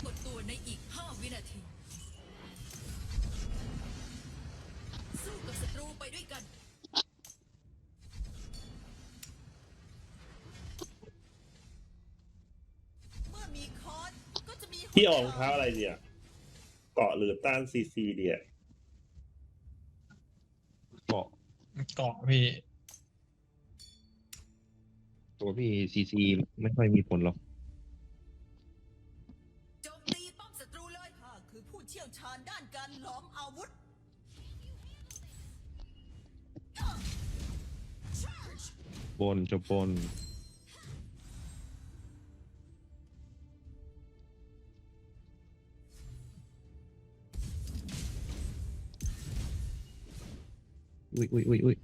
กดตัวในอีก5 วินาทีสู้กับศัตรูไปด้วยกันเมื่อมีคอนก็จะมีพี่ออกรองเท้าอะไรเดียเกาะหรือต้านซีเดียเกาะเกาะพี่ตัวพี่ซีไม่ค่อยมีผลหรอกโจมตีป้อมศัตรูเลยข้าคือผู้เชี่ยวชาญด้านการหลอมอาวุธบนจะบนอุ้ย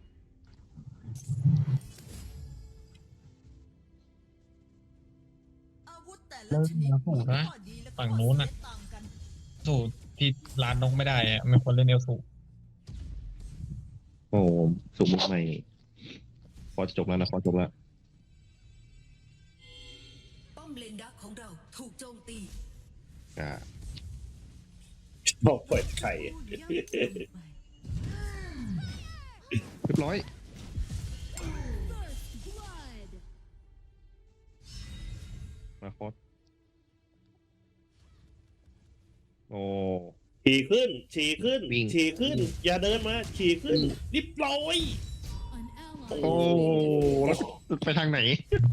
อาวุธแต่ละเริ่มชนิดมาถูกนะข้อดีและข้อฝั่งนู้นน่ะเสียต่างกันสูตรที่ร้านนกไม่ได้อะไม่ควรเล่นเอลสูโอ้สุ่มใหม่พอจะจบแล้วนะพอจบแล้วป้อมเลนดักของเราถูกโจมตีอ่าบอกเปิดไข่ผู้ย่ำเกินไปเรียบร้อยมาคอสโอ้ฉี่ขึ้นวิ่งฉี่ขึ้น อย่าเดินมา ฉี่ขึ้นรีบร้อยโอ้แล้วไปทางไหน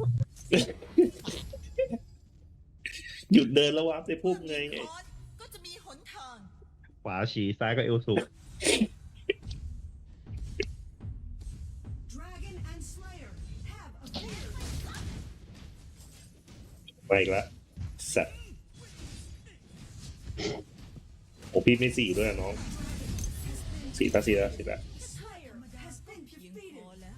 หยุดเดินแล้ววับไปพุ่มไงเมื่อมีคอนก็จะมีหนทางขวาฉีซ้ายก็เอลสุ Dragon and Slayer have appeared. ไปอีกแล้วสัตว์โอ้พี่ไม่สี่ด้วยนะน้องสี่ตาสี่แล้ว Slayer has been เพียงพ defeated. อแล้ว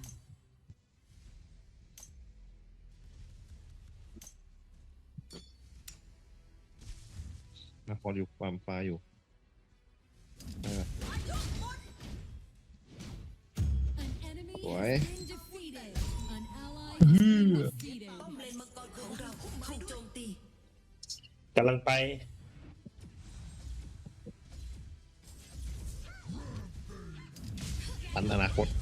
มาคอสอยู่ความฟ้าอยู่สวยป้อมเลนมังกรของเราถูกโจมตีกำลังไปตันอนาคต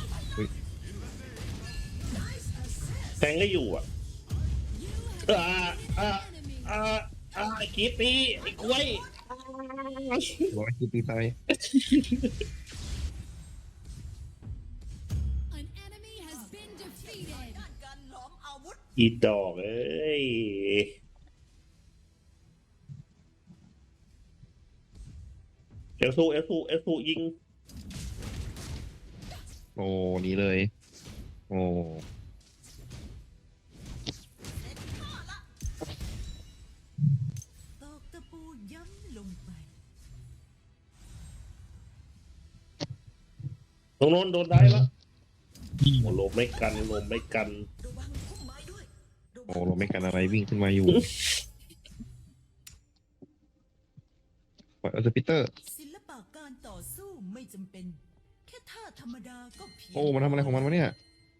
แทงก็อยู่อ่ะไอ้กีดตีไอ้กล้วยร้อยคิดตีไทยด้านการหลอมอาวุธอีดอกเอ้ยเอลซูยิงโอ้นี่เลย โอ้ตอกตะปูย้ำลงไปตรงโน้นโดนได้แล้วยิงโอ้ลมไม่กันระวังพุ่มไม้ด้วยระวัโอ้งเราไม่กันอะไรวิ่งขึ้นมาอยู่ปล่อยสปิเตอร์ศิลปะการต่อสู้ไม่จำเป็น แค่ท่าธรรมดาก็เพียงโอ้มันทำอะไรของมันวะเนี่ย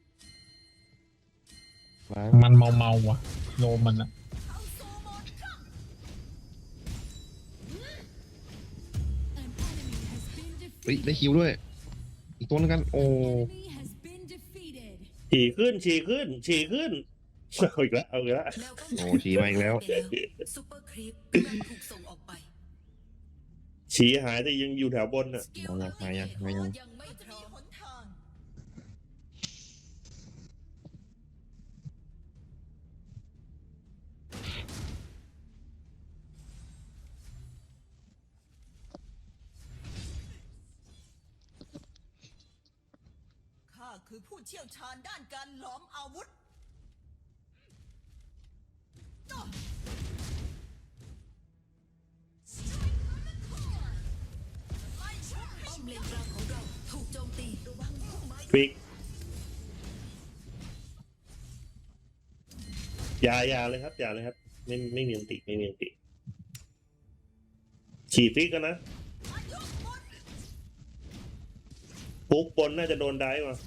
ล้างมันเมาว่ะโลมันอะเอาโซโมอนข้างเฮ้ยได้คิวด้วย อีกตัวนึงกัน โอ้ฉี่ขึ้นเอาอีกแล้วแนวป้องโอ้กันชี้มาอีกแล้วซุปเปอร์ครีปกำลังถูกส่งออกไปฉี่หายแต่ยังอยู่แถวบนน่ะสกิลมายังยังไม่พร้อมหนทาง ข้าคือผู้เชี่ยวชาญด้านการหลอมอาวุธ ป้อมเลนกลางของเราถูกโจมตีระวังพุ่มไม้ฟิกอย่าเลยครับไม่มีอันติฉี่ฟิกกันนะปุ๊กบนน่าจะโดนได้มา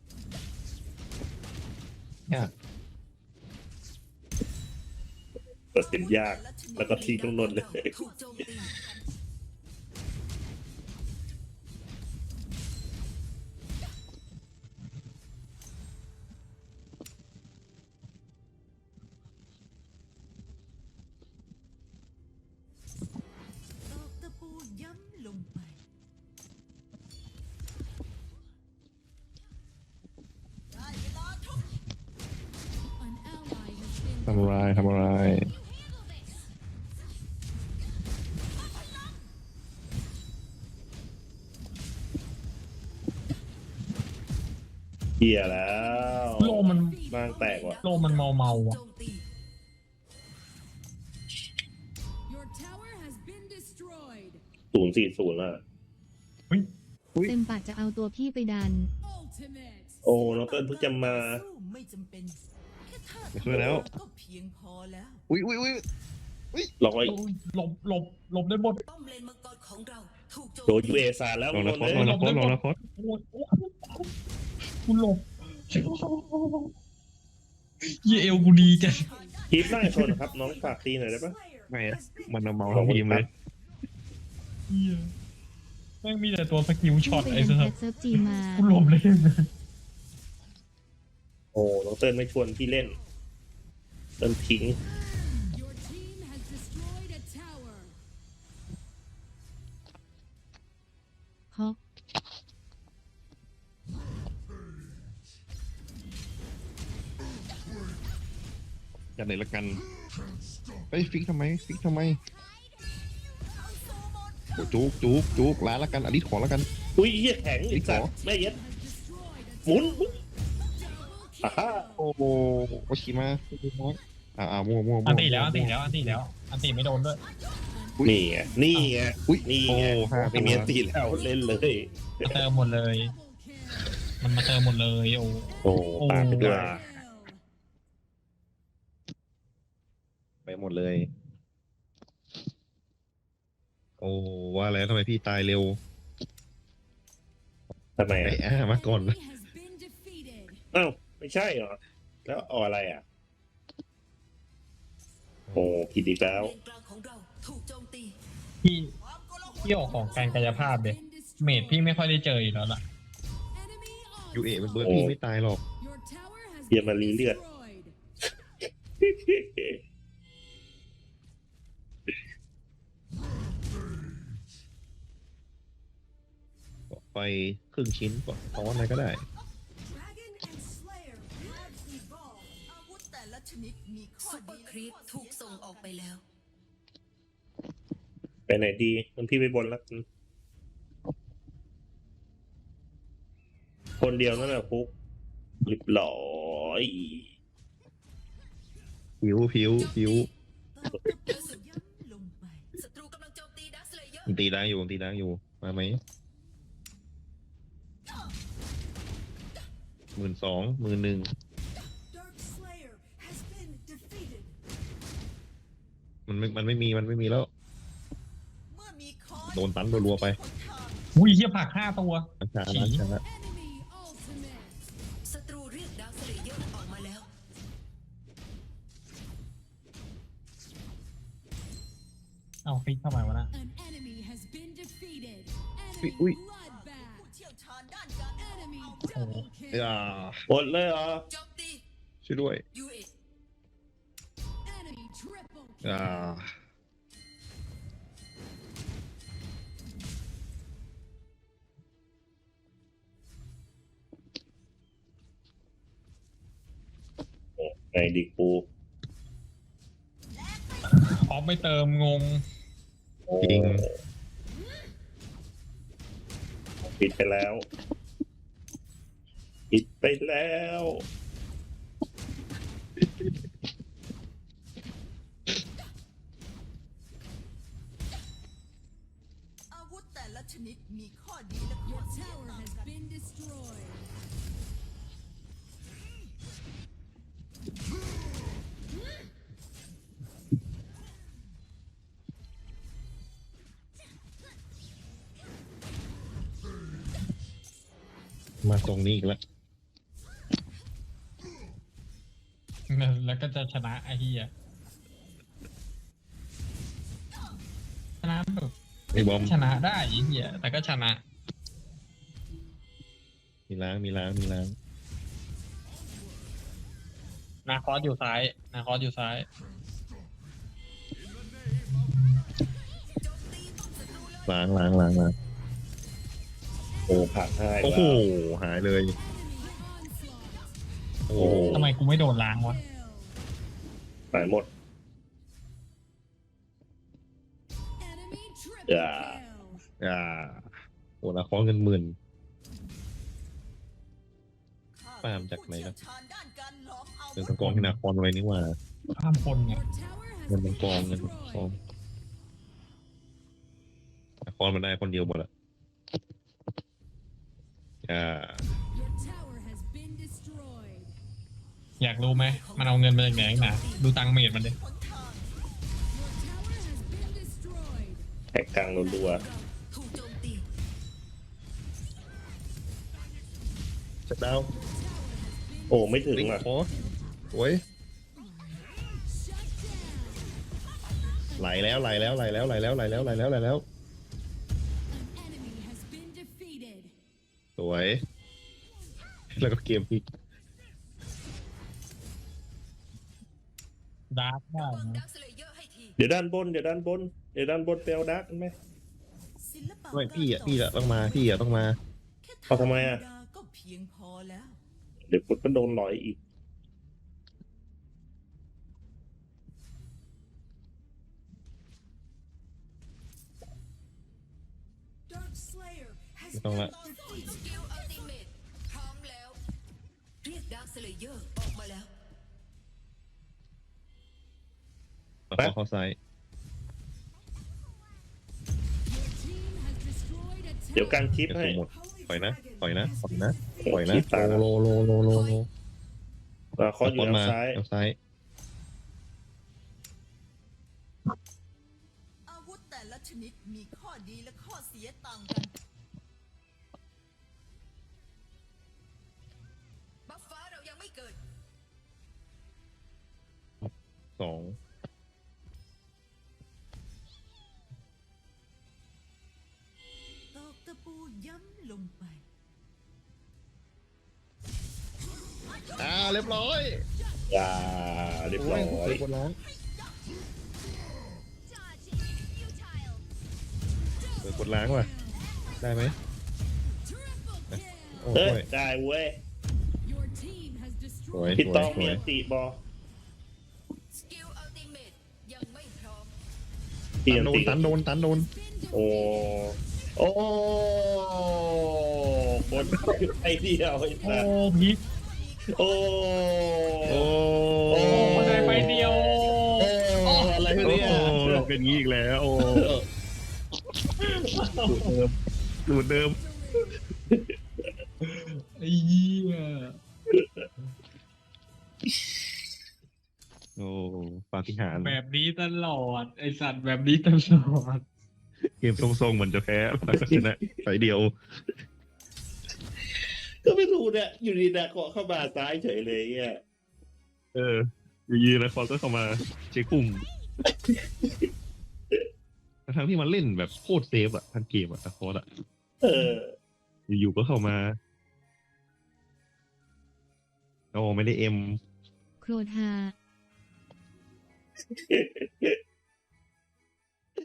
ยากตัดสินยาก แล้วก็ทิ้งตรงนนเลยถูกโจมตี ตอกตะปูย้ำลงไป ได้เวลาทุบ An ally has been ทำอะไรทำอะไรเหี้ยแล้วโลมันบ้างแตกว่ะโลมันเมาอ่ะโจมตี Your tower has been destroyed. 040อ่ะเฮ้ยอุ๊ยเต็มปากจะเอาตัวพี่ไปดัน Ultimate. โอ้น้องเติ้ลเพิ่งจะมาสู้ไม่จำเป็นแค่ท่าไม่ช่วยแล้วก็เพียงพอแล้วอุ้ยอุ้ยอุ้ยร้อยหลบได้หมดป้อมเลนมังกรของเราถูกโจมโดนตียูเอซาแล้วลองนะโดโคนตเลยลองนะโคตลองนะโคตกูหลบเยเอลกูดีจังคลิปหน้าชนครับ น้องฝากตีหน่อยได้ปะไม่อะมันเอาเมาทั้งทีมเลยเหี้ยแม่งมีแต่ตัวสกิลช็อตไปไอ้เล่นสัแคสทเซิร์ฟจีมากูหลบเลยโอ้น้องเติ้ลไม่ชวนพี่เล่นเติ้ลทิ้ง Your team has destroyed a tower. ฮอกกันไหนละกันเฮ้ยฟิกทำไมฟิกทำไมโอ้จุกจุกจุกร้านละกันอลิสขอละกันอุ้ยเหี้ยแข็งอีกสัตว์แม่เย็ด Has destroyed a หมุน double อ่า kill. ฮ่าโอ้โหโอชิมามั่วมั่วอันตีแล้วอันตีไม่โดนด้วยนี่ไงนี่ไงอุ้ยนี่โอ้ไงห้าไม่มีอันตีแล้วเล่นเลยมาเติมหมดเลย Double kill. มันมาเติมหมดเลยโอ้โอ้ตามไปด้วย Kill. ไปหมดเลย โอ้ว่าแล้วทำไมพี่ตายเร็วทำไมไอ้อ่ะมาก่อน Enemy has been defeated. อ้าวไม่ใช่เหรอ แล้วเอาอะไรอ่ะ โอ้ผิดอีกแล้วเลนกลางของเราถูกโจมตีพี่ออกของการกายภาพเด็ เมดพี่ไม่ค่อยได้เจออยู่แล้วล่ะ Enemy ยูเอเป็นเบิร์ดโอ้พี่ไม่ตายหรอก Your tower has เฮีย been มารีเลือด destroyed. ไปครึ่งชิ้นก็ตอนอะไรก็ได้ Dragon and Slayer have evolved. อาวุธแต่ละชนิดมีข้อซุปเปอดีร์ครีปถูกส่งออกไปแล้วไปไหนดีมันพี่ไปบนแล้วกันคนเดียวนั่นแหละฟุกเรียบร้อยผิวตอกตะปูย้ำลงไปศัตรูกำลังโจมตีดักสเลเยอร์ผมตีดังอยู่ผมตีดังอยู่ มาไหม12,000 11,000 Dark Slayer has been defeated. มันไม่มีแล้วเมื่อมีคอนโดนตันรัวๆไปอุ้ยเฮียผัก5 ตัวร้านชาร้านชา Enemy ultimate. ศัตรูเรียกดักสเลเยอร์ออกมาแล้วเอาฟิกเข้ามาะ An enemy has been defeated. Ui, Enemy ui. bloodbath. ผู้เชี่ยวชาญด้านการ Enemy Oh. double อย่า kill. หมดเลยเหรอโจมตีช่วยด้วยยูเอ Enemy triple อย่า kill. ไงดิกูออฟไม่เติมงงจริงปิดไปแล้วปิดไปแล้วอาวุธแต่ละชนิดมีข้อดีและข้อ Your เสีย tower ต่าง has กัน been destroyed. มาตรงนี้อีกแล้วแล้วก็จะชนะไอ้เฮียชนะแบบไอ้บอมชนะได้ไอ้เหี้ยแต่ก็ชนะมีล้างมีล้างมีล้างนาคอสอยู่ซ้าย นาคอสอยู่ซ้ายล้างล้างล้างล้างโอ้ผักให้โอ้โหแล้วหายเลยโอ้โหทำไมกูไม่โดนล้างวะหายหมด Enemy triple Yeah. kill. อ่าโอ้ละครเงินหมื่น ปาล์มจากไหนครับ เป็นตะกองที่นาครไว้นี่หว่าข้ามคนไง Your tower has เงินมั been นกองเงินมันกอง destroyed. นาครมันได้คนเดียวหมดอะอ่า Your tower has been destroyed. อยากรู้ไหม มันเอาเงินมาจากไหนนักหนาดูตังค์เมดมันดิ Your tower has been destroyed. แท็กกลางรัวถูกโจมตีชัดดาวน์ๆโอ้ไม่ถึงลิงอ่ะโอ้สวย Shut down. ไหลแล้วไหลแล้วไหลแล้วไหลแล้วไหลแล้วไหลแล้วไหลแล้ว An enemy has been defeated. สวย แล้วก็เกมพลิกดาร์กได้ป้อมนะดักสเลเยอร์ให้ทีเดี๋ยวด้านบนเดี๋ยวด้านบนเดี๋ยวด้านบนเปลวดักไหมศิลปะไม่พี่อ่ะพี่อ่ะต้องมาพี่อ่ะต้องมาแค่เอาทำไมอะธรรดาก็เพียงพอแล้วเดี๋ยวพุทธก็โดนหลอยอีก Dark Slayer has ไม่ต้องละ been defeated. สกิลอัลติเมทพร้อมแล้ว เรียกดักสเลเยอร์ออกมาแล้วแล้วก็เข้าซ้าย Your team has destroyed a เดี๋ยว tower. การคลิปเดี๋ยวให้ส่งหมด ปล่อยนะปล่อยนะปล่อยนะเออปล่อยนะคลิปตาโลโลโลโลโลคออยู่ต้นทางมาซ้ายทางซ้ายอาวุธแต่ละชนิดมีข้อดีและข้อเสียต่างกันบัฟฟ้าเรายังไม่เกิดสองตอกตะปูย้ำลงไปเรียบร้อยอย่าเรียบร้อยโอ้ยคนร้องกดล้างว่ะ ได้ไหม Triple kill. โอ้เอ้ยยได้เว้ย Your team has สวย destroyed. พี่สวต้ยองสมีวยอันติบอสกิลอัลติเมทยังไม่พร้อมพี่อันโดนติตันโดนตันโดนโอ้โอ้บนไอเดียวไอ้โอ้สัสพิษโอ้โอ้โอ้คนใดไปเดียวโอ้อะไรโอ้เนี่ยเป็นงี้อีกแล้วโอ้สูตรเดิมไอ้เหี้ยโอ้ปาฏิหาริย์แบบนี้ตลอด ไอสัตว์แบบนี้ตลอดเกมทรงๆเหมือนจะแพ้แล้วก็ชนะไฟเดียวก็ไม่รู้เนี่ยอยู่ดีนะเกาะเข้ามาซ้ายเฉยเลยเนี่ยอยู่ยีนะคอก็เข้ามาเช็คปุ่มทั้งที่มันเล่นแบบโคตรเซฟอะทั้งเกมอะคอร์ดอะเอออยู่ๆก็เข้ามาโอ้ไม่ได้เอ็มโครธา